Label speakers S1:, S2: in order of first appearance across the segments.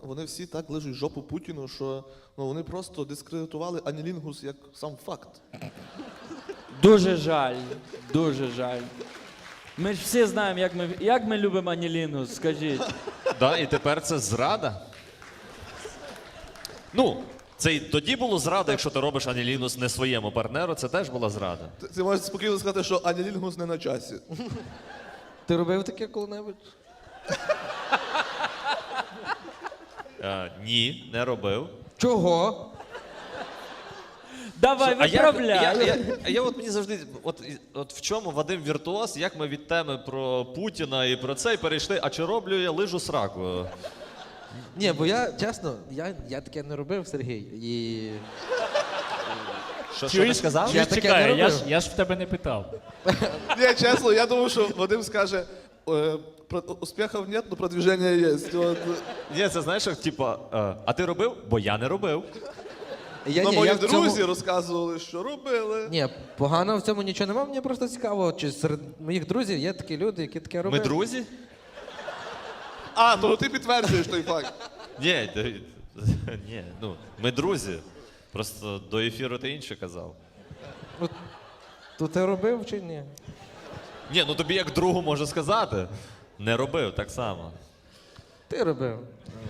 S1: вони всі так лижуть жопу Путіну, що вони просто дискредитували анілінгус як сам факт.
S2: Дуже жаль, дуже жаль. Ми ж всі знаємо, як ми любимо анілінгус, скажіть.
S3: Да, і тепер це зрада. Ну, це і тоді було зрада, якщо ти робиш анілінгус не своєму партнеру, це теж була зрада.
S1: Ти можеш спокійно сказати, що анілінгус не на часі.
S4: Ти робив таке коли-небудь?
S3: Ні, не робив.
S4: Чого?
S2: Давай, виправляй.
S3: Я от мені завжди, от в чому Вадим віртуоз, як ми від теми про Путіна і про це і перейшли, а чи роблю я лижу сраку?
S4: Ні, бо я, чесно, я таке не робив, Сергій, і...
S3: Що ти сказав?
S4: Я таке не
S5: Чекай,
S4: робив.
S5: я ж в тебе не питав.
S1: Ні, чесно, я думав, що Вадим скаже, успіхів нет, но продвиження є.
S3: Ні, це знаєш, як, типа, а ти робив? Бо я не робив.
S1: Ну, мої
S4: в цьому-
S1: друзі розказували, що робили.
S4: Ні, погано в цьому нічого немає, мені просто цікаво, чи серед моїх друзів є такі люди, які таке
S3: Ми
S4: роблять.
S3: друзі?
S1: А, то ти підтверджуєш той факт.
S3: Ні, ні, ну, ми друзі. Просто до ефіру ти інше казав.
S4: То ти робив чи ні?
S3: Ні, ну тобі як другу можу сказати. Не робив так само.
S4: Ти робив.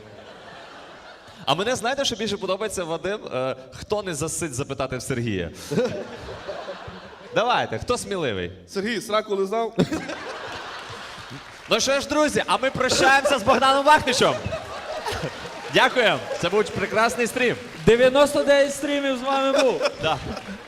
S3: А мене знаєте, що більше подобається, Вадим? Хто не засить запитати в Сергія? Давайте, хто сміливий?
S1: Сергій, сраку лизав?
S3: Ну що ж, друзі, а ми прощаємося з Богданом Вахничем. Дякуємо, це був прекрасний стрім.
S2: 99 стрімів з вами був.
S3: Да.